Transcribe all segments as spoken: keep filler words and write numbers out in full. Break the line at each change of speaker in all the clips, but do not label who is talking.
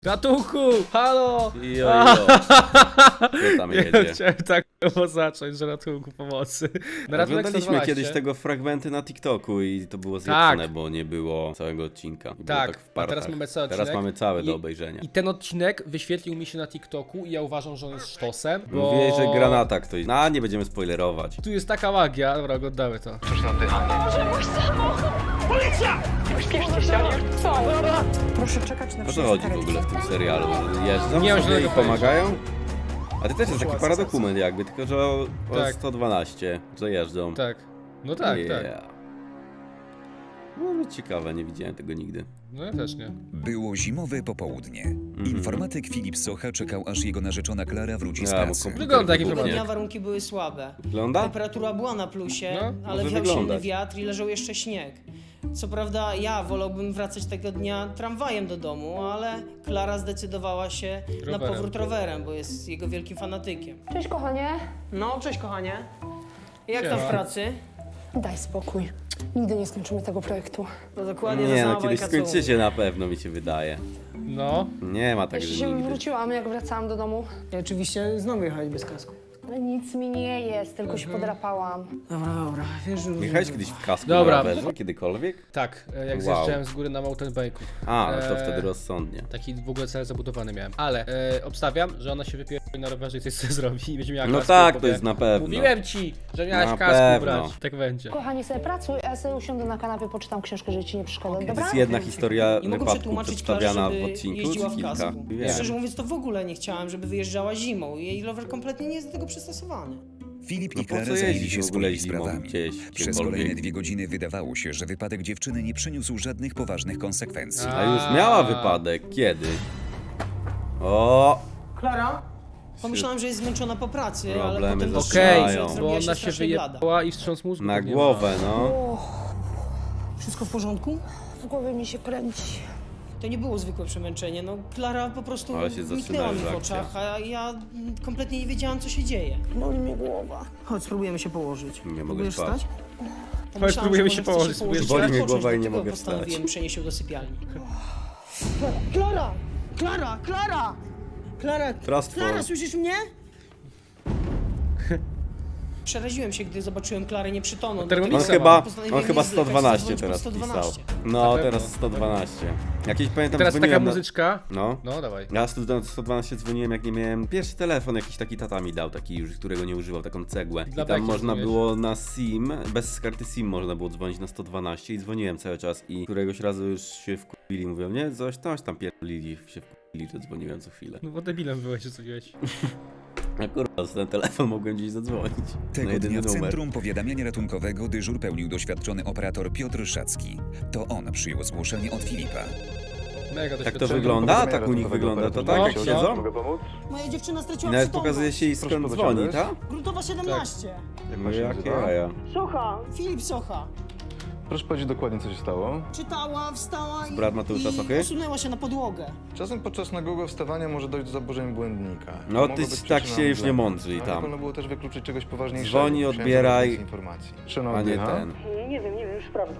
Ratunku! Halo!
Jo, jo. Co tam
Ja
jedzie?
chciałem tak zacząć, że ratunku pomocy. Na ratunek
Oglądaliśmy
sto dwanaście.
kiedyś tego fragmenty na TikToku i to było zjedzone,
Tak.
bo nie było całego odcinka. I było
Tak,
tak w
a
partach.
teraz mamy cały
Teraz
odcinek.
mamy całe do
I-
obejrzenia.
I ten odcinek wyświetlił mi się na TikToku i ja uważam, że on jest sztosem, bo...
Mówiłeś, że granata ktoś... No, nie będziemy spoilerować.
Tu jest taka magia, dobra, oglądamy to.
Proszę czekać na
O co
przyjazd
chodzi w
karetki.
ogóle w tym serialu? Jeżdżą
Nie mam
sobie i
żadnego
pomagają? A to też jest taki paradokument jakby, tylko że o, o
Tak.
sto dwanaście, że jeżdżą.
Tak. No tak, tak.
Yeah. No ciekawe, nie widziałem tego nigdy.
No ja też nie.
Było zimowe popołudnie.
Mhm.
Informatyk Filip Socha czekał, aż jego narzeczona Klara wróci z
Ja, bo
pracy.
komputer
Wygląda jak
wybuchnie.
informatyk.
Dnia warunki były słabe.
Wygląda?
Temperatura była na plusie,
No,
ale
może
wiał silny
wyglądać.
wiatr i leżał jeszcze śnieg. Co prawda ja wolałbym wracać tego dnia tramwajem do domu, ale Klara zdecydowała się na
Rowerem.
powrót rowerem, bo jest jego wielkim fanatykiem.
Cześć kochanie.
No, cześć kochanie. Jak tam
Siema.
w pracy?
Daj spokój. Nigdy nie skończymy tego projektu.
No dokładnie
Nie
ta
no,
sama
kiedyś
bajka, co u
skończycie na pewno, mi się wydaje.
No.
Nie ma tak,
Jeszcze
że
się
nigdy.
wróciłam, jak wracałam do domu.
mnie. Oczywiście znowu jechać bez kasku.
Ale nic mi nie jest, tylko się podrapałam.
Dobra, dobra, wiesz, że...
Jechałeś kiedyś w kasku
Dobra.
na rowerze? Kiedykolwiek?
Tak, e, jak
Wow.
zjeżdżałem z góry na mountain bike'u.
A, no to
Eee,
wtedy rozsądnie.
Taki w ogóle cel zabudowany miałem. Ale e, obstawiam, że ona się wypierdoli na rowerze i coś sobie zrobi i będzie miała
No
kasku.
tak,
i
to jest na pewno.
Mówiłem ci, że miałeś
Na
kasku
pewno.
brać. Tak będzie.
Kochani, sobie pracuj, a ja sobie usiądę na kanapie, poczytam książkę, że ci nie przeszkadza,
To
dobra?
jest jedna historia
Nie mogę
wypadku
przetłumaczyć Klarze,
przedstawiana
żeby
w odcinku,
jeździła
czy
w
kilka?
kasku.
Wiem.
Szczerze mówiąc, to w ogóle nie chciałem, żeby wyjeżdżała zimą. Jej rower kompletnie nie jest do tego przystosowany.
Filip
No
i
po co
Klara zajęli
jeździć
się
w ogóle
swoimi
zimą
sprawami.
gdzieś,
Przez
gdziekolwiek?
kolejne dwie godziny wydawało się, że wypadek dziewczyny nie przyniósł żadnych poważnych konsekwencji.
A już miała wypadek. Kiedy? O,
Klara? Pomyślałem, że jest zmęczona po pracy, ale
Problemy
potem
zaczynają.
Okej,
dostrzegłem,
bo
że zrobiła
ona się
strasznie blada.
wyjebała i wstrząs mózgu
na
pewnie
głowę, no.
Wszystko w porządku?
W głowie mi się kręci.
To nie było zwykłe przemęczenie, no Klara po prostu
Ale się zaczyna
zniknęła mi w
już
oczach, a ja kompletnie nie wiedziałam, co się dzieje.
Boli mnie głowa.
Chodź, spróbujemy się położyć.
Nie mogę
Próbujesz
spać.
wstać?
Chodź,
Pomyślałem,
spróbujemy
że
się
może chcesz
położyć, spróbujesz
Boli
ale
mnie
odpocząć,
głowa i nie
dlatego
mogę
postanowiłem
wstać.
przenieść się do sypialni. Klara! Klara! Klara! Klara!
Trustful.
Klara, słyszysz mnie? Przeraziłem się, gdy zobaczyłem Klarę nieprzytomną.
On
dlatego
On
Pisała.
chyba,
postanowiłem
on chyba
nie zwlekać,
sto dwanaście
zadzwonić
teraz
pod sto
pisał.
dwanaście.
No,
Na pewno.
teraz sto dwanaście. Jakieś pamiętam
Teraz taka
dzwoniłem na...
muzyczka.
No.
No, dawaj.
Ja sto sto dwanaście dzwoniłem, jak nie miałem... Pierwszy telefon jakiś taki tata mi dał, taki już, którego nie używał, taką cegłę.
Dla
I tam
beki
można
dzwoniłeś?
było na SIM, bez karty SIM można było dzwonić na sto dwanaście i dzwoniłem cały czas i któregoś razu już się wkurwili, mówią, nie, coś tam, coś tam pierdolili, się wkurwili, że dzwoniłem co chwilę.
No bo debilem byłeś, że co działeś.
A kurwa, z ten telefon mogłem gdzieś zadzwonić. na
Tego
jedyny
dnia w
numer.
Centrum Powiadamiania Ratunkowego dyżur pełnił doświadczony operator Piotr Szacki. To on przyjął zgłoszenie od Filipa.
Mega
Tak to
doświadczenie.
wygląda? Tak u nich wygląda, to tak
No,
jak
no.
siedzą?
Mogę pomóc?
Moja dziewczyna
I
straciła
nawet
przytomność.
pokazuje się i skąd
Proszę
dzwoni,
podać
tak?
Gruntowa siedemnaście.
Jak
No
pan się
jakie
nazywa?
jaja.
Socha, Filip Socha.
Proszę powiedzieć dokładnie, co się stało.
Czytała, wstała i,
Brat Mateusza
i
Sochy?
osunęła się na podłogę.
Czasem podczas nagłego wstawania może dojść do zaburzeń błędnika.
No
Mogą
ty
być
tak
przyczyną
się już nie
błędu,
mądrzyj
ale
tam.
wolno było też wykluczyć czegoś poważniejszego.
Dzwoni,
Musiałem
odbieraj,
zebrać więcej informacji. Czy ona
a nie
oddycha?
ten.
Nie wiem, nie wiem, już prawda.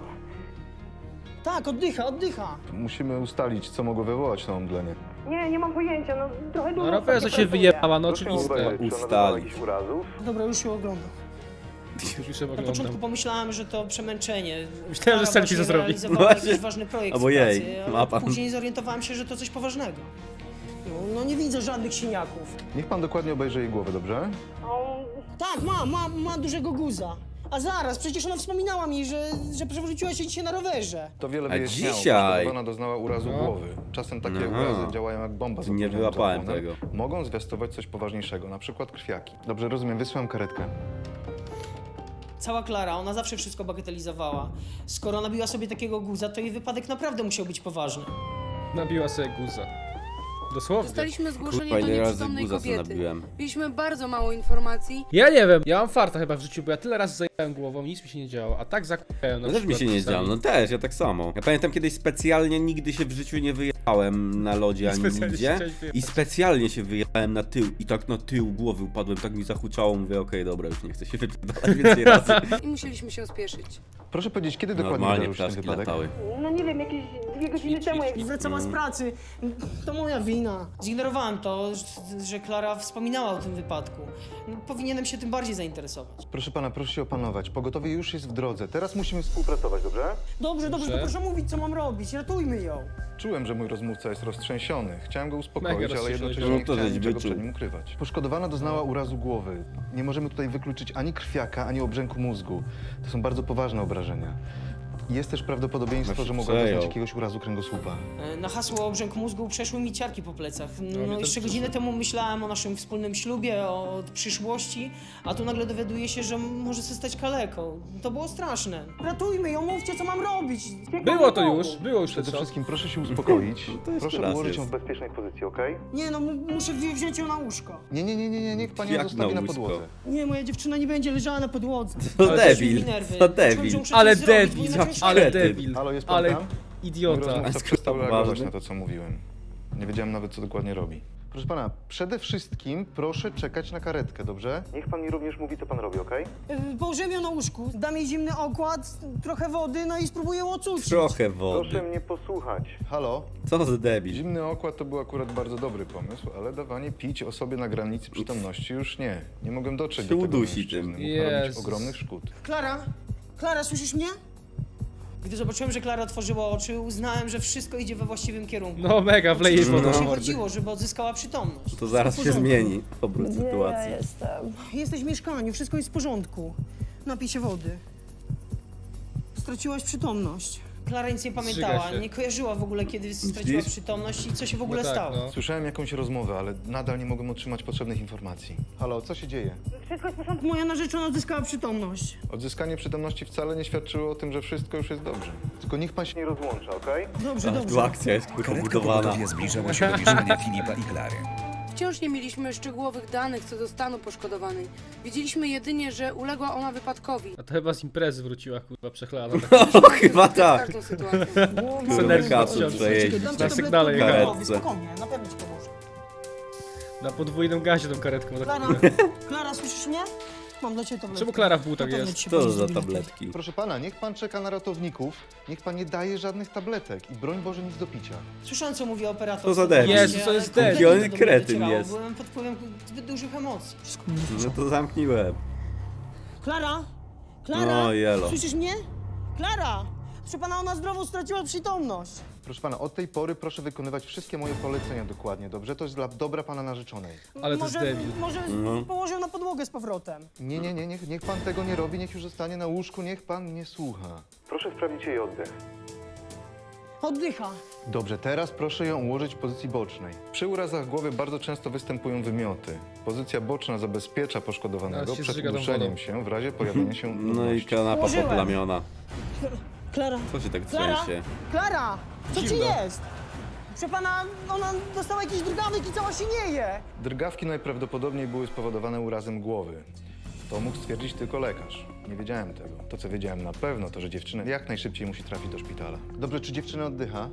Tak, oddycha, oddycha.
Musimy ustalić, co mogło wywołać to omdlenie.
Nie, nie mam pojęcia, no trochę
Na
długo
rowerze
sobie
się
pracuję.
wyjebała, no
Proszę
oczywiste.
uważać, czy ona
Ustalić.
doznała jakichś urazów.
Dobra, już się oglądam.
Już się
Na początku
oglądam.
pomyślałem, że to przemęczenie.
Myślałem, że
Klara
selfie
właśnie
zrobi.
realizowała
No właśnie.
jakiś ważny projekt
Albo
w
jej,
pracy, ale
ma pan.
później zorientowałem się, że to coś poważnego. No, no nie widzę żadnych siniaków.
Niech pan dokładnie obejrzy jej głowę, dobrze?
O,
Tak, ma, ma, ma dużego guza. A zaraz, przecież ona wspominała mi, że, że przewróciła się dzisiaj na rowerze.
To wiele
A
wyjaśniało.
dzisiaj?
Poszkodowana doznała urazu
No.
głowy. Czasem takie
Aha.
urazy działają jak bomba z
Nie
opóźnionym
wyłapałem
zapłonem.
tego.
Mogą zwiastować coś poważniejszego, na przykład krwiaki. Dobrze, rozumiem, wysyłam karetkę.
Cała Klara, ona zawsze wszystko bagatelizowała. Skoro nabiła sobie takiego guza, to jej wypadek naprawdę musiał być poważny.
Nabiła sobie guza. Dosłownie.
Dostaliśmy zgłoszenie
Kurwa,
do
ile razy
nieprzytomnej
guza sobie
kobiety.
nabiłem.
Mieliśmy bardzo mało informacji.
Ja nie wiem, ja mam farta chyba w życiu, bo ja tyle razy zajebałem głową, nic mi się nie działo, a tak zakupałem na
No też mi
przykład
się nie
czasami.
działo, no też, ja tak samo. Ja pamiętam kiedyś specjalnie nigdy się w życiu nie wyjechałem na lodzie ani
Specjalnie się
nigdzie.
chciałeś wyjechać.
I specjalnie się wyjechałem na tył i tak na tył głowy upadłem, tak mi zahuczało, mówię okej, dobra, już nie chcę się wypierdalać więcej razy.
I musieliśmy się spieszyć.
Proszę powiedzieć, kiedy dokładnie
Normalnie
wydarzył się ten
ptaszki
wypadek?
latały.
no nie wiem, jakieś dwie godziny temu, jak
Wracała z pracy. To moja wina. Zignorowałem to, że- że Klara wspominała o tym wypadku. Powinienem się tym bardziej zainteresować.
Proszę pana, proszę się opanować. Pogotowie już jest w drodze. Teraz musimy współpracować, dobrze?
Dobrze, dobrze, to
Dobrze.
proszę mówić, co mam robić. Ratujmy ją.
Czułem, że mój rozmówca jest roztrzęsiony. Chciałem go
Mega
uspokoić, ale
roztrzęsiony.
jednocześnie
No
nie
to
chciałem
żeś
niczego
wyczuł.
przed nim ukrywać. Poszkodowana doznała urazu głowy. Nie możemy tutaj wykluczyć ani krwiaka, ani obrzęku mózgu. To są bardzo poważne obrażenia. Jest też prawdopodobieństwo,
Właśnie
że mogła
przejął.
doznać jakiegoś urazu kręgosłupa.
E, Na hasło obrzęk mózgu przeszły mi ciarki po plecach.
mnie
No
też
jeszcze
przeszły.
godzinę temu myślałem o naszym wspólnym ślubie, o przyszłości, a tu nagle dowiaduję się, że może zostać kaleką. To było straszne. Ratujmy ją, mówcie, co mam robić.
Było to już, było już
Przede
to.
wszystkim proszę się uspokoić.
to jeszcze
Proszę
raz
ułożyć
jest.
ją w bezpiecznej pozycji, okej?
Nie no, mu- muszę wzi- wziąć ją na łóżko.
Nie, nie, nie, nie, nie, niech pani ją
Jak
zostawi
na
na
łóżko?
podłodze.
Nie, moja dziewczyna nie będzie leżała na podłodze.
To
Ale
Też mi
debil,
nerwy.
to
Czułem,
debil.
że muszę
Ale
coś zrobić, bo
debil,
inaczej
ale
kretyn.
debil.
Halo, jest pan
Ale
tam? Mój
idiota.
rozmówca
Skoro
przestał reagować
ważny.
na to, co mówiłem. Nie wiedziałem nawet, co dokładnie robi. Proszę pana, przede wszystkim proszę czekać na karetkę, dobrze? Niech pan mi również mówi, co pan robi, okej?
Y, Położyłem ją na łóżku, dam jej zimny okład, trochę wody, no i spróbuję ją ocucić.
Trochę wody.
Proszę mnie posłuchać. Halo?
Co za debil.
Zimny okład to był akurat bardzo dobry pomysł, ale dawanie pić osobie na granicy przytomności już nie. Nie mogłem dotrzeć
Się
do tego
udusi
mężczyzny.
tym.
Mógł narobić
Jezus.
ogromnych szkód.
Klara? Klara, słyszysz mnie? Gdy zobaczyłem, że Klara otworzyła oczy, uznałem, że wszystko idzie we właściwym kierunku.
No mega, wleje
Oczywiście
wodą.
o to się
No.
chodziło, żeby odzyskała przytomność.
To zaraz się
Wszystko w porządku.
zmieni obrót
Gdzie ja
sytuacji.
jestem?
Jesteś w mieszkaniu, wszystko jest w porządku. Napij się wody. Straciłaś przytomność. Klara nic nie pamiętała,
Zżyga się.
nie kojarzyła w ogóle, kiedy straciła
Widzisz?
przytomność i co się w ogóle
No tak,
stało.
no.
Słyszałem jakąś rozmowę, ale nadal nie mogłem otrzymać potrzebnych informacji. Halo, co się dzieje?
wszystko jest w porządku.
Moja narzeczona odzyskała przytomność.
Odzyskanie przytomności wcale nie świadczyło o tym, że wszystko już jest dobrze. Tylko niech pan się nie rozłącza, okej?
Dobrze,
A,
dobrze.
tu akcja jest kurwa
Karetka
budowana.
pogotowia zbliżała się do mieszkania Filipa i Klary.
Wciąż nie mieliśmy szczegółowych danych co do stanu poszkodowanej. Wiedzieliśmy jedynie, że uległa ona wypadkowi.
A to chyba z imprezy wróciła, kurwa, przechlana.
O, chyba tak.
Każdą sytuację.
Kurwa,
Synergia
kacu
wciąż.
przejeździć.
Dam ci
Na
tabletkę
sygnale
oddechowej,
jechałem.
spokojnie, na pewno ci pomoże.
Na podwójnym gazie tą karetką. za
Klara,
chwilę.
Klara, słyszysz mnie? Mam dla ciebie tabletkę.
Czemu Klara w butach
Na pewno
jest?
ci się
Co
pomoże
za
z biletem.
tabletki?
Proszę pana, niech pan czeka na ratowników, niech pan nie daje żadnych tabletek i broń Boże nic do picia.
Słyszałem, co mówi operator.
Co za debil.
Jezu, co
ale
jest
kompletnie
debil.
to do mnie
Kretyn
docierało.
jest.
Byłem pod wpływem zbyt dużych emocji. Wszystko
No to zamknij łeb.
Klara? Klara?
No, jelo.
Słyszysz mnie? Klara! Proszę pana, ona zdrowo straciła przytomność.
Proszę pana, od tej pory proszę wykonywać wszystkie moje polecenia dokładnie, dobrze? To jest dla dobra pana narzeczonej.
Ale to jest
może,
debil.
Może
No.
położył na podłogę z powrotem.
Nie, nie, nie, niech, niech pan tego nie robi, niech już zostanie na łóżku, niech pan mnie słucha. Proszę sprawdzić jej oddech.
Oddycha.
Dobrze, teraz proszę ją ułożyć w pozycji bocznej. Przy urazach głowy bardzo często występują wymioty. Pozycja boczna zabezpiecza poszkodowanego
Teraz się
przed
zżyga tą
uduszeniem
wodą.
się w razie pojawienia się
No i
nudności.
kanapa
Ułożyłem.
poplamiona.
Klara.
Co się tak
Klara?
trzęsie?
Klara! Co ci
Zimno.
jest? Proszę pana, ona dostała jakiś drgawek i cała się nieje.
Drgawki najprawdopodobniej były spowodowane urazem głowy. To mógł stwierdzić tylko lekarz. Nie wiedziałem tego. To, co wiedziałem na pewno, to, że dziewczyna jak najszybciej musi trafić do szpitala. Dobrze, czy dziewczyna oddycha?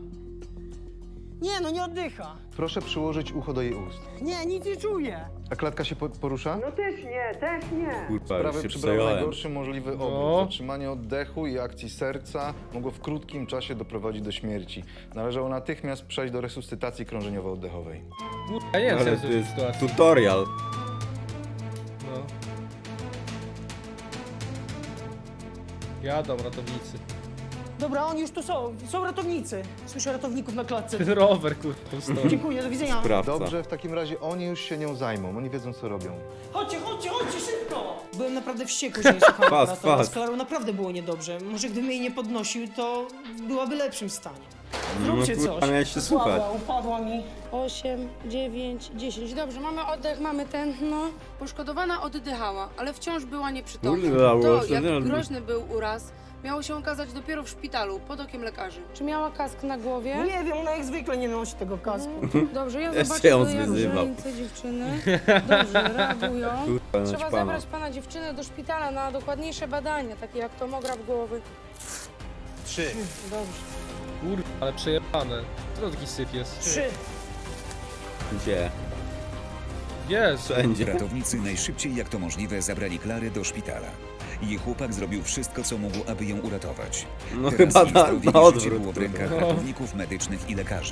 Nie, no nie oddycha.
Proszę przyłożyć ucho do jej ust.
Nie, nic nie czuję.
A klatka się po porusza?
No też nie, też nie.
Kurwa, już
Sprawy
się
przybrały
przejąłem.
najgorszy możliwy obrót.
No.
Zatrzymanie oddechu i akcji serca mogło w krótkim czasie doprowadzić do śmierci. Należało natychmiast przejść do resuscytacji krążeniowo-oddechowej.
Kurwa, ja nie wiem, co
Ale
jest
to
w tej
jest
sytuacji.
tutorial.
No. Jadą ratownicy.
Dobra, oni już tu są. Są ratownicy. Słyszę ratowników na klatce.
Ten rower, kurwa, tam stoi.
Dziękuję, do widzenia.
Sprawca.
Dobrze, w takim razie oni już się nią zajmą. Oni wiedzą, co robią.
Chodźcie, chodźcie, chodźcie, szybko! Byłem naprawdę wściekły, że nie słuchałem
Fast,
operatora.
fast.
Z Klarą naprawdę było niedobrze. Może gdybym jej nie podnosił, to byłaby w lepszym stanie. Zróbcie
No, kurwa,
coś.
miałeś się słuchać.
Upadła, upadła mi.
osiem, dziewięć, dziesięć. Dobrze, mamy oddech, mamy ten, no. Poszkodowana oddychała, ale wciąż była nieprzytomna.
Kurwa,
To,
było
jak
to-
groźny był uraz, miało się okazać dopiero w szpitalu, pod okiem lekarzy. Czy miała kask na głowie?
Nie wiem, ona jak zwykle nie nosi tego kasku.
Dobrze, ja
Jeszcze
zobaczę
ją
do jak
zwyzywał.
ręce dziewczyny. Dobrze, reagują.
Kurwa,
Trzeba
naćpana.
zabrać pana dziewczynę do szpitala na dokładniejsze badania, takie jak tomograf głowy.
Trzy.
Dobrze.
Kurwa, ale przejebane. Co to taki syf jest?
Trzy.
Gdzie?
Jest.
Wszędzie.
Ratownicy najszybciej jak to możliwe zabrali Klarę do szpitala. Jej chłopak zrobił wszystko, co mógł, aby ją uratować.
No
Teraz
chyba
jej
na,
zdrowie
na
i życie
odwrót.
było w rękach
No.
ratowników medycznych i lekarzy.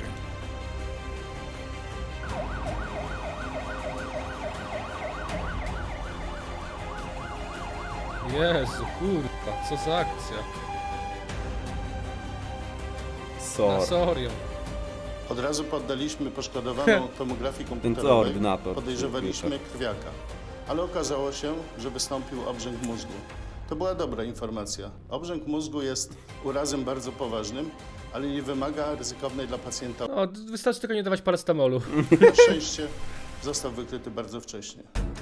Jezu, kurwa, co za akcja. Na
Sor.
serio.
Od razu poddaliśmy poszkodowaną tomografii
Ten
komputerowej.
koordynator.
Podejrzewaliśmy krwiaka, ale okazało się, że wystąpił obrzęk mózgu. To była dobra informacja. Obrzęk mózgu jest urazem bardzo poważnym, ale nie wymaga ryzykownej dla pacjenta.
No, wystarczy tylko nie dawać paracetamolu.
Na szczęście został wykryty bardzo wcześnie.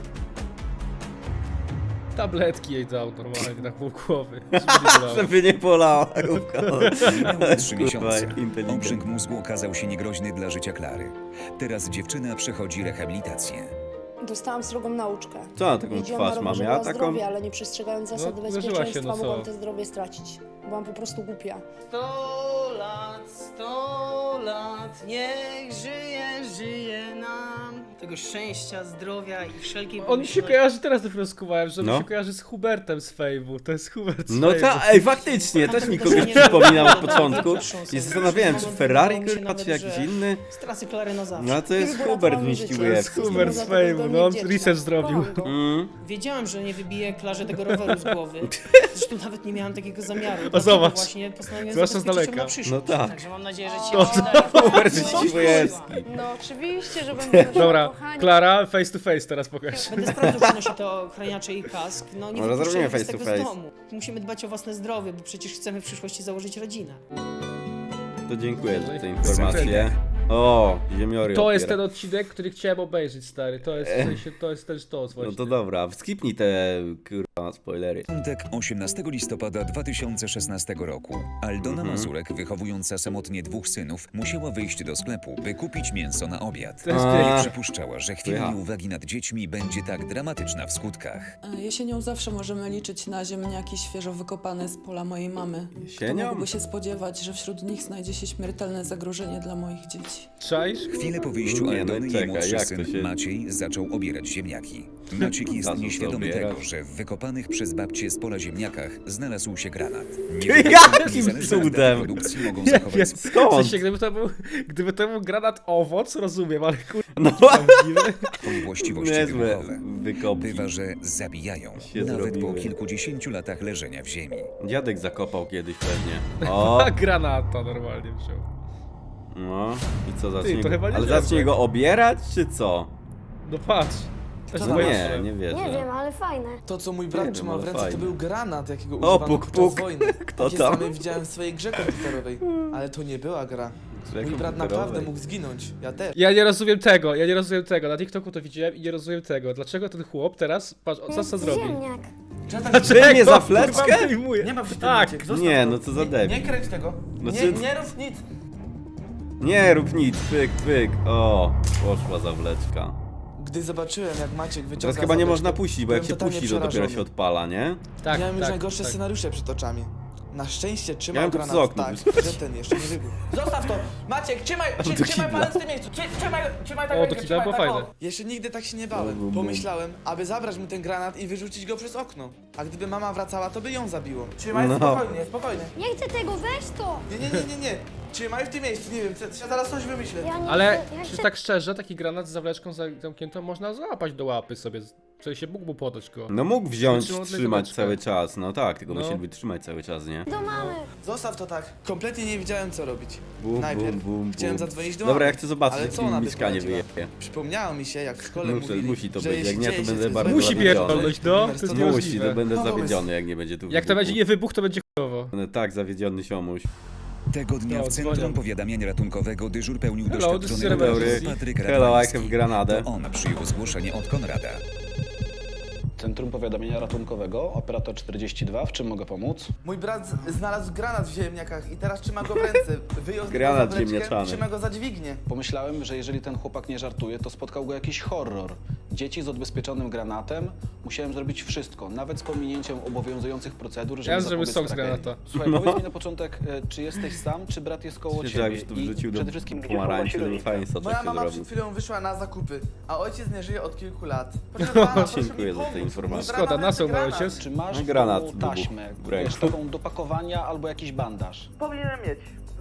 Tabletki jej dał normalnie na pół głowy. Żeby nie bolało.
Żeby nie polała główka.
Minęły trzy
Kurwa,
miesiące.
inteligentny.
Obrzęk mózgu okazał się niegroźny dla życia Klary. Teraz dziewczyna przechodzi rehabilitację.
Dostałam srogą nauczkę.
Co na taką
Jeździłam na
twarz mam?
rowerze
Ja
dla
taką...
zdrowia, ale nie przestrzegając zasad
No, uderzyła się,
bezpieczeństwa,
no co?
mogłam to zdrowie stracić. Byłam po prostu głupia.
Sto lat, sto lat, niech żyje, żyje nam. Tego szczęścia, zdrowia i wszelkiej
On mi się
pomyślności.
kojarzy, teraz dopiero skuwałem, że
No.
mi się kojarzy z Hubertem z Fejmu. To jest Hubert z
No
Fejmu.
ta, ej, faktycznie, też mi kogoś przypominał od początku. I zastanawiałem, czy Ferrari, kurwa, czy jakiś inny.
Z trasy Klary na zawsze.
No to jest
Wybór
Hubert
ratował mi życie.
Miściłujewski.
Jestem
Hubert z
za to
Fejmu,
zdolnie
no on
wdzięczna.
research zrobił.
Kocham go.
Mm.
Wiedziałam, że nie wybiję Klarze tego roweru z głowy. Zresztą nawet nie miałam takiego zamiaru.
O,
dlatego
zobacz.
właśnie postanowiłem
Zwłaszcza z
zabezpieczyć ją
daleka.
na przyszłość.
No tak.
Także mam nadzieję, że ci
To-
się uda.
Hubert
Będę
Miściłujewski.
No oczywiście, że będę nosiła,
Dobra,
kochani.
Klara, face to face teraz pokaż.
Będę sprawdzał, czy nosi to ochraniacze i kask. No nie
Może
wypuszczajmy
zrobimy
was
face
tego
to
z
face.
domu. Musimy dbać o własne zdrowie, bo przecież chcemy w przyszłości założyć rodzinę.
To dziękuję za tę informację. O, ziemiory
To jest
opiera.
ten odcinek, który chciałem obejrzeć, stary. To jest, w sensie, to jest też to
No
właśnie.
to dobra, skipnij te kurwa spoilery.
Piątek, osiemnastego listopada dwa tysiące szesnastego roku. Aldona
Mhm.
Mazurek, wychowująca samotnie dwóch synów, musiała wyjść do sklepu, by kupić mięso na obiad.
To jest
A.
Nie
piękne.
przypuszczała, że chwila
Słycha.
nieuwagi nad dziećmi będzie tak dramatyczna w skutkach.
Jesienią zawsze możemy liczyć na ziemniaki świeżo wykopane z pola mojej mamy. Kto
Jesienią?
mógłby się spodziewać, że wśród nich znajdzie się śmiertelne zagrożenie dla moich dzieci?
Czaisz?
Chwilę po wyjściu
Nie, no
Aldony jej
czekaj,
młodszy
jak to
syn
się-
Maciej zaczął obierać ziemniaki. Maciek jest
Zaczął
nieświadomy
obierać.
tego, że w wykopanych przez babcię z pola ziemniakach znalazł się granat.
Jakim
Niezależne
cudem?
data produkcji mogą
Nie
zachować
wiem,
Skąd?
w sensie, gdyby to był, gdyby to był granat owoc, rozumiem, ale kurwa,
No
prawdziwy.
swoje właściwości
niezłe
wybuchowe.
wykopki.
Bywa, że zabijają,
Się
nawet
zrobiły.
po kilkudziesięciu latach leżenia w ziemi.
Dziadek zakopał kiedyś pewnie. O,
A granata normalnie wziął.
no i co
Ty,
zacznie
to
go...
chyba nie
Ale
dziadek.
zacznie go obierać, czy co?
No patrz. Też
No
moja
nie,
krew.
nie wierzę.
Nie wiem, ale fajne.
To, co mój
Nie
brat
wiem,
trzymał
ale
w ręce,
fajnie.
to był granat, jakiego
O,
używano
puk,
podczas
puk.
wojny.
Kto
Takie
tam?
same widziałem w swojej grze komputerowej, ale to nie była gra.
Grze
Mój brat naprawdę
komputerowej.
mógł zginąć, ja też.
Ja nie rozumiem tego, ja nie rozumiem tego. Na TikToku to widziałem i nie rozumiem tego. Dlaczego ten chłop teraz, patrz, co co zrobi?
Ziemniak.
Czy nie za
Kurwa,
fleczkę?
wyjmuje.
Nie ma w tym
Tak.
Maciek, zostaw
Nie,
to.
no co za
Nie,
debil.
nie kręć tego.
Znaczy-
Nie, nie rób nic.
Nie rób nic, pyk, pyk. O, poszła zawleczka.
Gdy zobaczyłem, jak Maciek wyciąga
Teraz chyba nie
zawleczkę,
można puścić, bo jak
byłem
się
totalnie
puści, to dopiero
przerażony.
się odpala, nie?
Tak,
Miałem już
tak,
najgorsze
tak.
scenariusze przed oczami. Na szczęście trzymał
Miałem to
granat
przez okno
tak,
puścić.
że ten jeszcze nie wybuchł. Zostaw to! Maciek, trzymaj,
do
trzy, trzymaj
kibla.
palec w tym miejscu! Trzy, trzymaj, trzymaj tak
O, to
rękę,
kibla
trzymaj
było
tak,
fajne.
o. Jeszcze nigdy tak się nie
Bum,
bałem.
bum,
Pomyślałem, aby zabrać mu ten granat i wyrzucić go przez okno. A gdyby mama wracała, to by ją zabiło. Trzymaj,
No.
spokojnie, spokojnie.
Nie chcę tego, weź to!
Nie, nie, nie, nie, nie. Trzymaj w tym miejscu, nie wiem, co- ja zaraz coś wymyślę.
Ja nie
Ale
chcę, ja
czy
chcę...
tak szczerze, taki granat z zawleczką za- zamkniętą można złapać do łapy sobie. W sensie mógł mu podać go.
No mógł wziąć,
Trzymał
trzymać
zawleczkę.
cały czas. No tak, tylko
No.
musieli wytrzymać cały czas, nie?
Do mamy.
Zostaw to tak. Kompletnie nie wiedziałem, co robić.
Bum,
Najpierw
bum, bum,
chciałem
bum.
zadzwonić do
Dobra,
mamy.
ja chcę zobaczyć,
Ale
jak
co
mi
ona by
mieszkanie
poradziła?
wyjebie.
Przypomniało mi się, jak w szkole
Muszę,
mówili,
musi to
że
być, jak
jeśli
nie, to
dzieje się
będę
coś
bardzo
złego,
Musi
to
pierdolnąć, no,
numer
to jest
sto dwa.
Musi, to będę
No, pomysł.
zawiedziony, jak nie będzie tu
Jak to będzie nie wybuch, to będzie chujowo.
Będę tak zawiedziony, siomuś.
Tego dnia
No,
w Centrum
dzwonią.
Powiadamiania Ratunkowego dyżur pełnił
Hello,
doświadczony
this is
operator
emergency.
Patryk
Hello, I
Radwański.
have granadę.
To on przyjął zgłoszenie od Konrada.
Centrum Powiadamiania Ratunkowego, operator czterdzieści dwa, w czym mogę pomóc?
Mój brat z- znalazł granat w ziemniakach i teraz trzyma go w ręce. Wyjął z niego
Granat
zawleczkę,
ziemniaczany.
trzyma go za dźwignię.
Pomyślałem, że jeżeli ten chłopak nie żartuje, to spotkał go jakiś horror. Dzieci z odbezpieczonym granatem, musiałem zrobić wszystko, nawet z pominięciem obowiązujących procedur, żeby
Ja zrobię
zapobiec
sok z
tragedii.
granata.
Słuchaj,
No.
powiedz mi na początek, e, czy jesteś sam, czy brat jest koło
Że
ciebie?
jakbyś tu wrzucił do
przede wszystkim, gdzie
pomarańczy,
chowa
to
się
by fajnie soczek
Moja
się
mama
zrobił.
przed chwilą wyszła na zakupy, a ojciec nie żyje od kilku lat. Proszę pana, proszę
Dziękuję
mi
za te
pomóc.
informacje.
Mój brat
Szkoda,
ma
na co ma
granat.
ojciec?
Czy masz
No,
w
granat
domu
wybuchł
taśmę,
w ręku.
wiesz, taką do pakowania albo jakiś bandaż?
Powinienem mieć.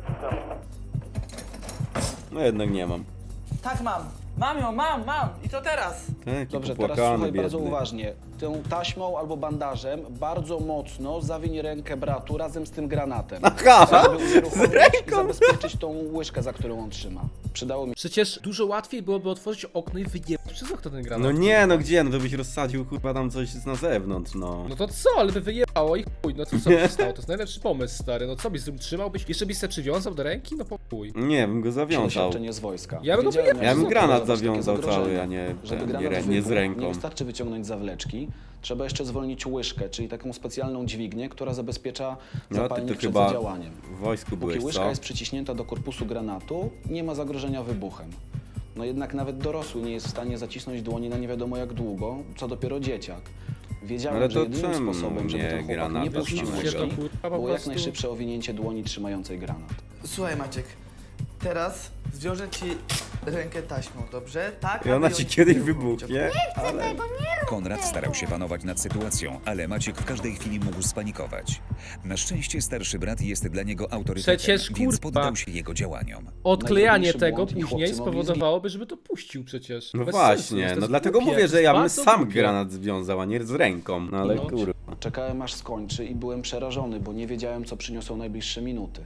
No jednak nie mam.
Tak mam. Mam ją, mam, mam. I co teraz?
Taki
Dobrze, teraz
popłakany,
słuchaj bardzo
biedny.
uważnie. Tą taśmą albo bandażem bardzo mocno zawiń rękę bratu razem z tym granatem.
Aha,
Żeby unieruchomić i zabezpieczyć tą łyżkę, za którą on trzyma. Przydało mi
Przecież dużo łatwiej byłoby otworzyć okno i wyjebać przez okno ten granat.
No nie, no gdzie, no to byś rozsadził kurwa tam coś na zewnątrz, no.
No to co, ale by wyjebało i chuj, no to co by się stało? To jest najlepszy pomysł, stary. No co byś z tym trzymałbyś? Jeszcze byś se przywiązał do ręki? No po chuj.
Nie, bym go zawiązał.
doświadczenie z wojska.
Ja bym go
Wiedziałem,
wyjebał.
jak
Ja bym granat
zapobiegać takie
zawiązał cały,
zagrożenia.
a nie,
Żeby
ten,
granat
nie, rę- nie z
wybuchł,
ręką.
Nie wystarczy wyciągnąć zawleczki, trzeba jeszcze zwolnić łyżkę, czyli taką specjalną dźwignię, która zabezpiecza
No ty
zapalnik
to
przed
chyba
zadziałaniem.
w wojsku
Póki
byłeś,
łyżka
co?
jest przyciśnięta do korpusu granatu, nie ma zagrożenia wybuchem. No jednak nawet dorosły nie jest w stanie zacisnąć dłoni na nie wiadomo jak długo, co dopiero dzieciak. Wiedziałem,
Ale
że
to
jedynym
czemu
sposobem, żeby
nie
ten chłopak
granat
nie
bez
puścił
samego?
łyżki,
To kurwa po
było jak
prostu-
najszybsze owinięcie dłoni trzymającej granat.
Słuchaj Maciek, teraz zwiążę ci rękę taśmą, dobrze? Tak,
I ona
aby
ci
ją
kiedyś
nie uruchomić,
wybuchnie, ale...
Konrad starał się panować nad sytuacją, ale Maciek w każdej chwili mógł spanikować. Na szczęście starszy brat jest dla niego autorytetem,
Przecież,
więc
kurwa.
poddał się jego działaniom.
Odklejanie
Najtrudniejszy
tego
błąd i
później
chłopcy mogli
spowodowałoby, żeby to puścił przecież.
No
Bez sensu
właśnie,
jest, to
no
jest
dlatego
głupie,
mówię,
to
że
jest
ja bym
bardzo
sam
głupie.
granat związał, a nie z ręką, no ale
No.
kurwa.
Czekałem aż skończy i byłem przerażony, bo nie wiedziałem, co przyniosą najbliższe minuty.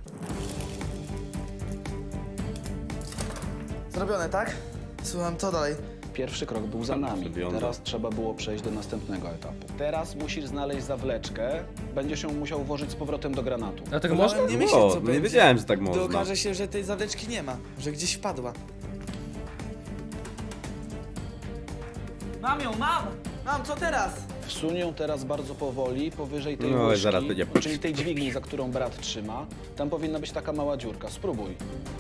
Zrobione, tak? Słucham, co dalej?
Pierwszy krok był za nami.
Przewiązał.
Teraz trzeba było przejść do następnego etapu. Teraz musisz znaleźć zawleczkę, będziesz ją musiał włożyć z powrotem do granatu.
A tak
Wolałem
można?
nie myśleć,
O,
co
no nie
będzie.
wiedziałem, że tak
Gdy
można.
okaże się, że tej zawleczki nie ma, że gdzieś wpadła. Mam ją, mam! Mam, co teraz?
Wsuń ją teraz bardzo powoli, powyżej tej
No,
łyżki,
zaraz będzie.
czyli tej dźwigni, za którą brat trzyma. Tam powinna być taka mała dziurka. Spróbuj.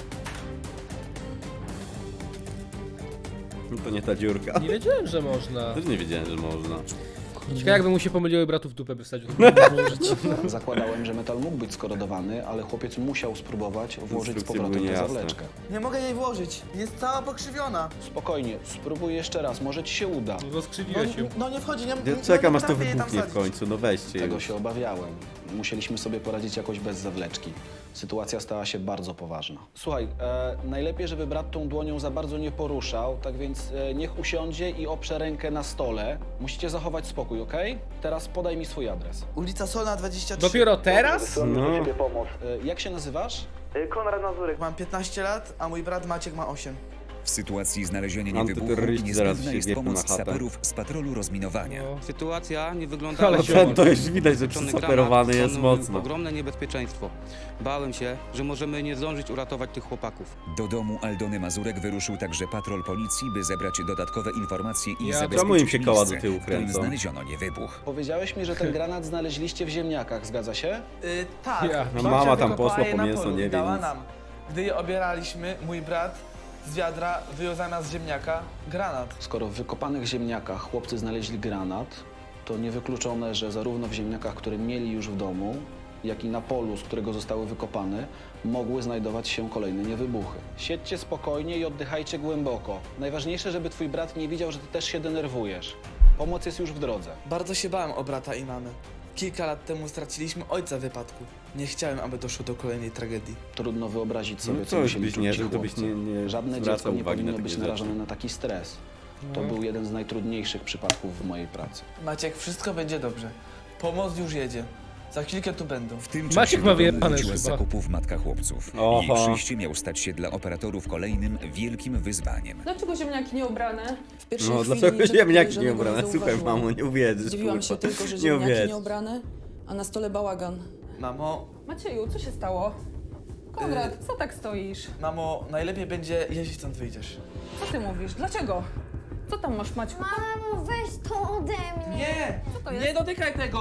No to nie ta dziurka.
Nie wiedziałem, że można.
Też nie wiedziałem, że można.
Ciekawe jakby mu się pomyliły bratów w dupę by wsadził. to by było życie.
Zakładałem, że metal mógł być skorodowany, ale chłopiec musiał spróbować włożyć z
Instrukcje
powrotem
były
tę
niejasne.
zawleczkę.
Nie mogę jej włożyć. Jest cała pokrzywiona.
Spokojnie, spróbuj jeszcze raz, może ci się uda.
No
No,
rozkrzywiłeś ją.
no nie wchodzi, nie,
Ja
nie,
czekam
nie
aż to
potrafię jej tam
wybuchnie w
wsadzić.
końcu, no weźcie
Tego
już.
się obawiałem. Musieliśmy sobie poradzić jakoś bez zawleczki. Sytuacja stała się bardzo poważna. Słuchaj, e, najlepiej, żeby brat tą dłonią za bardzo nie poruszał, tak więc e, niech usiądzie i oprze rękę na stole. Musicie zachować spokój, okej? Teraz podaj mi swój adres.
Ulica Solna dwadzieścia trzy.
Dopiero teraz?
No.
E, jak się nazywasz?
Konrad Mazurek. Mam piętnaście lat, a mój brat Maciek ma osiem.
W sytuacji znalezienia niewybuchu
Antyterroryści zaraz
niezbędna
się
jest
wiepią na
pomoc
chatę.
saperów z patrolu rozminowania.
No.
Sytuacja nie wygląda
Ale
No ten to już widać, że przysaperowany jest mocno.
Ogromne niebezpieczeństwo. Bałem się, że możemy nie zdążyć uratować tych chłopaków.
Do domu Aldony Mazurek wyruszył także patrol policji, by zebrać dodatkowe informacje i
Ja-
zabezpieczyć
Czemu im się koła do
miejsce,
tyłu
w którym
kręcą?
znaleziono niewybuch.
Powiedziałeś mi, że ten granat znaleźliście w ziemniakach, zgadza się?
Yy, tak.
Ja.
No
Babcia
mama tam
wykopała
posła
je
po
na
mięso,
polu
nie
i
wie
dała
nic.
nam. Gdy je obieraliśmy, mój brat z wiadra wyjął zamiast ziemniaka granat.
Skoro w wykopanych ziemniakach chłopcy znaleźli granat, to niewykluczone, że zarówno w ziemniakach, które mieli już w domu, jak i na polu, z którego zostały wykopane, mogły znajdować się kolejne niewybuchy. Siedźcie spokojnie i oddychajcie głęboko. Najważniejsze, żeby twój brat nie widział, że ty też się denerwujesz. Pomoc jest już w drodze.
Bardzo się bałem o brata i mamy. Kilka lat temu straciliśmy ojca w wypadku. Nie chciałem, aby doszło do kolejnej tragedii.
Trudno wyobrazić sobie,
No
co
coś
musieli
byś
czuć
nie
ci
żył, to byś
chłopcy.
nie- nie
Żadne
zwracał
dziecko nie
uwagi na
powinno
takie
być
rzeczy.
narażone na taki stres. To
No.
był jeden z najtrudniejszych przypadków w mojej pracy.
Maciek, wszystko będzie dobrze. Pomoc już jedzie. Za chwilkę tu będą.
W tym
Maciek
czasie
ma
do domu
wyjebane
wróciła
już
z
chyba.
zakupów matka chłopców.
Oho.
Jej przyjście miał stać się dla operatorów kolejnym wielkim wyzwaniem.
Dlaczego ziemniaki nie ubrane?
W pierwszej
No
chwili
dlaczego
niczego
ziemniaki nie
podejrzanego
ubrane? Słuchaj
zauważyłam.
mamo, nie uwierzysz,
Zdziwiłam się
kurwa.
tylko, że
Nie
ziemniaki
uwierzysz.
nie ubrane, a na stole bałagan.
Mamo,
Macieju, co się stało? Konrad, co tak stoisz?
mamo, najlepiej będzie, jeśli stąd wyjdziesz.
Co ty mówisz? Dlaczego? Co tam masz, Maćku?
Mamo, weź to ode mnie.
Nie!
Co to
Nie
jest?
dotykaj tego!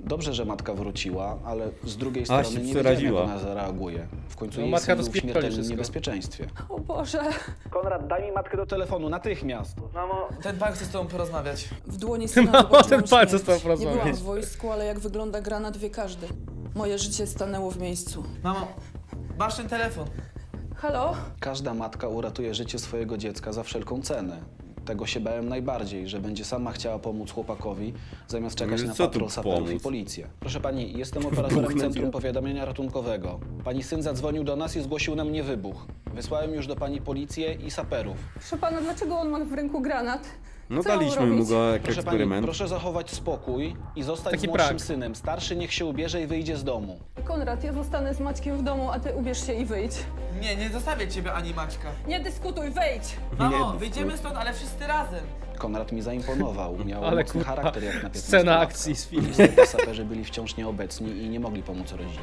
Dobrze, że matka wróciła, ale z drugiej
A,
strony
się
nie wiedziałem, jak
przeraziła.
ona zareaguje. W końcu
No,
jej
matka
syn
to
był w
spierdoli
śmiertelnym
wszystko.
niebezpieczeństwie.
O Boże.
Konrad, daj mi matkę do telefonu, natychmiast.
Mamo, ten pan chce z tobą porozmawiać.
W dłoni syna
Mamo,
zobaczyłam
ten pan chce z
śmierć.
tobą
Nie byłam
porozmawiać.
w wojsku, ale jak wygląda granat wie każdy. Moje życie stanęło w miejscu.
Mamo, masz ten telefon.
Halo?
Każda matka uratuje życie swojego dziecka za wszelką cenę. Tego się bałem najbardziej, że będzie sama chciała pomóc chłopakowi, zamiast czekać
No,
na
co tu
patrol saperów i
pomóc?
policję. Proszę pani, jestem operatorem Centrum Powiadamiania Ratunkowego. Pani syn zadzwonił do nas i zgłosił nam mnie wybuch. Wysłałem już do pani policję i saperów.
Proszę pana, dlaczego on ma w ręku granat?
No
Co mam
daliśmy mu
robić?
go jak
Proszę pani,
eksperyment.
proszę zachować spokój i zostać
Taki
z młodszym
prank.
synem. Starszy niech się ubierze i wyjdzie z domu.
Konrad, ja zostanę z Maćkiem w domu, a ty ubierz się i wyjdź.
Nie, nie zostawię ciebie ani Maćka.
Nie dyskutuj, wejdź!
Mamo,
Nie,
wyjdziemy stąd, ale wszyscy razem.
Konrad mi zaimponował. Miał
Ale
mocny
kurwa,
charakter jak na piętnastolatka.
scena akcji z filmu.
Niestety saperzy byli wciąż nieobecni i nie mogli pomóc rodzinie.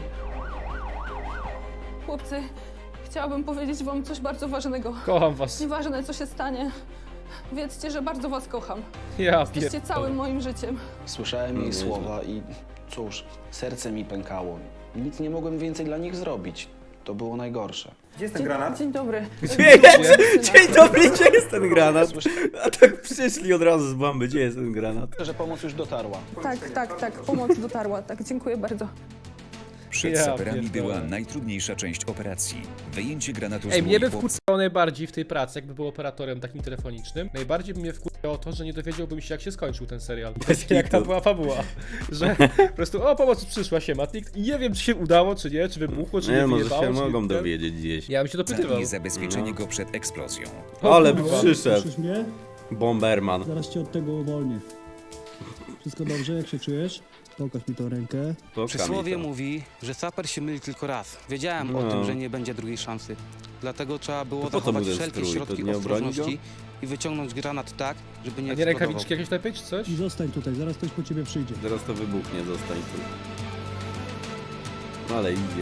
Chłopcy, chciałabym powiedzieć wam coś bardzo ważnego.
Kocham was.
Nieważne, co się stanie. Wiedzcie, że bardzo was kocham.
Ja
Jesteście
pierdolę.
całym moim życiem.
Słyszałem
No
jej
nieźle.
słowa i cóż, serce mi pękało. Nic nie mogłem więcej dla nich zrobić. To było najgorsze.
Gdzie jest ten granat?
Dzień dobry.
Dzień dobry, gdzie jest ten granat? A tak przyszli od razu z bomby, gdzie jest ten granat?
Że pomoc już dotarła.
Tak, tak, tak. Pomoc dotarła. Tak, dziękuję bardzo.
Przed
Ja
saperami
pierdolę.
była najtrudniejsza część operacji. Wyjęcie granatu z
Ej, mnie
dłoni
by
chłopca.
wkurzało najbardziej w tej pracy, jakby był operatorem takim telefonicznym. Najbardziej by mnie wkurzało to, że nie dowiedziałbym się, jak się skończył ten serial. Jak ta
kitu.
była fabuła. Że po prostu, o, pomoc przyszła się, Matnik. I nie wiem, czy się udało, czy nie, czy wybuchło, czy nie,
Nie, może
wyjebało,
się
czy
mogą
nie.
dowiedzieć gdzieś.
Ja bym się dopytywał.
I zabezpieczenie
No.
go przed eksplozją.
Ale by
kurwa.
przyszedł.
Słyszysz mnie?
Bomberman.
Zaraz cię od tego uwolnię. Wszystko dobrze? Jak się czujesz? Pokaż mi tą rękę.
To
Przysłowie
Kamil.
mówi, że saper się myli tylko raz. Wiedziałem
No.
o tym, że nie będzie drugiej szansy. Dlatego trzeba było
To po co mu
zachować
ten
wszelkie
strój? To
środki
nie obroni go?
ostrożności i wyciągnąć granat tak, żeby nie
A nie
eksplodował.
rękawiczki jakieś lepiej, czy coś?
I zostań tutaj, zaraz ktoś po ciebie przyjdzie.
Zaraz to wybuchnie, zostań tu. No ale idzie.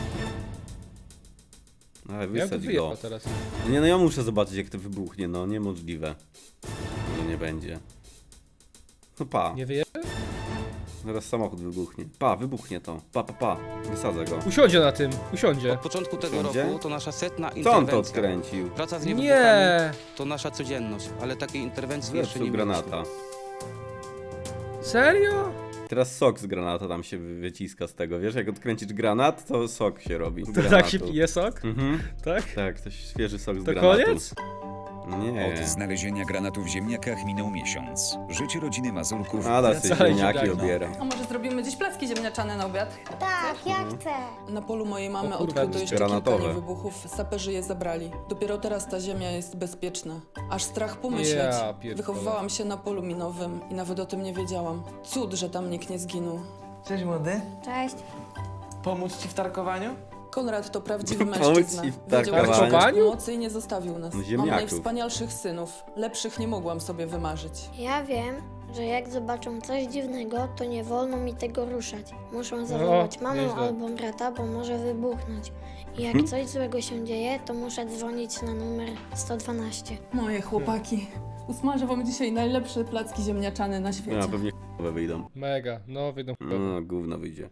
Ale
Ja bym
wysadź go.
wyjechał teraz.
Nie no, ja muszę zobaczyć jak to wybuchnie, no niemożliwe. Że nie będzie. No pa,
Nie wyje?
zaraz samochód wybuchnie. Pa, wybuchnie to. Pa, pa, pa. Wysadzę go.
Usiądzie na tym, usiądzie.
Od początku tego
Wszędzie?
roku to nasza setna
Co on
interwencja.
to odkręcił?
Praca z niewybuchami
Nie!
to nasza codzienność, ale takiej interwencji jeszcze
Zepsuł
nie
granata.
mieliśmy.
Serio?
Teraz sok z granata tam się wy- wyciska z tego, wiesz? Jak odkręcisz granat, to sok się robi. z
To
granatu.
tak się pije sok?
Mhm.
Tak?
Tak, to świeży sok z
To
granatu.
koniec?
Nie.
Od znalezienia granatu w ziemniakach minął miesiąc. Życie rodziny Mazurków
Ada
wraca
sobie
Dalej
ziemniaki
ziemniaki.
obiera.
A może zrobimy dziś placki ziemniaczane na obiad?
Tak, ja chcę.
Na polu mojej mamy
O kurwa,
odkryto jeszcze
granatowe.
kilka niewybuchów. Saperzy je zabrali. Dopiero teraz ta ziemia jest bezpieczna. Aż strach pomyśleć.
Ja pierdolę.
Wychowywałam się na polu minowym i nawet o tym nie wiedziałam. Cud, że tam nikt nie zginął.
Cześć młody.
Cześć.
Pomóc ci w tarkowaniu?
Konrad to prawdziwy
Pomóc
mężczyzna.
ci w
Wiedział, że
tarkowaniu?
szukać pomocy i nie zostawił nas.
No,
Mam
ziemniaków.
najwspanialszych synów. Lepszych nie mogłam sobie wymarzyć.
Ja wiem, że jak zobaczą coś dziwnego, to nie wolno mi tego ruszać. Muszą zawołać mamę
nieźle.
albo brata, bo może wybuchnąć. I jak coś złego się dzieje, to muszę dzwonić na numer sto dwanaście.
Moje chłopaki. Usmażę wam dzisiaj najlepsze placki ziemniaczane na świecie.
No, pewnie k***owe wyjdą.
Mega, no wyjdą.
No, gówno wyjdzie.